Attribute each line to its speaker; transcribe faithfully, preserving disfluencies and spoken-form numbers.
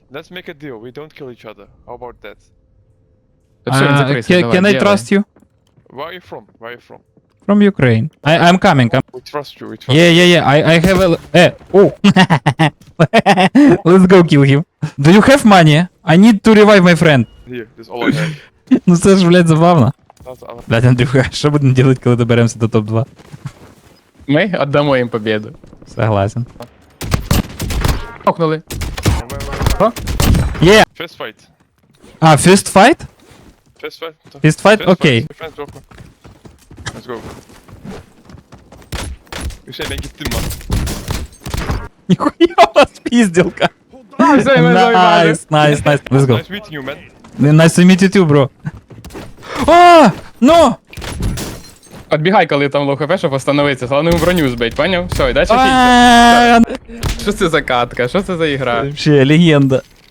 Speaker 1: Let's make a deal. We don't kill each other. How about that?
Speaker 2: Та все, він
Speaker 3: Uh,
Speaker 2: закрився,
Speaker 3: can,
Speaker 2: давай,
Speaker 3: can I
Speaker 2: делай.
Speaker 3: trust you?
Speaker 1: Where are you from? Where are you from?
Speaker 3: From Ukraine. I, I'm coming. I'm...
Speaker 1: We trust you. We trust
Speaker 3: Yeah, yeah, yeah. I, I have a... Eh, oh. Let's go kill him. Do you have money? I need to revive my friend.
Speaker 1: you. Here, this is all I have.
Speaker 3: Ну це ж, блядь, забавно.
Speaker 1: That's our...
Speaker 3: Блядь, Андрюха, що будемо делать, коли доберемося до топ два?
Speaker 2: Ми віддамо їм побіду.
Speaker 3: Согласен.
Speaker 2: Окнули.
Speaker 3: Yeah.
Speaker 1: First fight.
Speaker 3: А, first fight?
Speaker 1: First fight.
Speaker 3: First fight? Окей.
Speaker 1: First fight. Defense, Let's go. Hüseyin ben gittim lan.
Speaker 3: Нихуя у вас пизделка.
Speaker 2: Все, ми заїбали.
Speaker 3: Nice, nice, nice. Let's go.
Speaker 1: Nice meeting you, man.
Speaker 3: Nice to meet you too, bro. А, no!
Speaker 2: Отбігай, коли там лоу хп, щоб остановитися. Головне йому броню збить, поняв? Все, і далі фільтр.
Speaker 3: А,
Speaker 2: Що це за катка? Що це за ігра?
Speaker 3: Вообще легенда.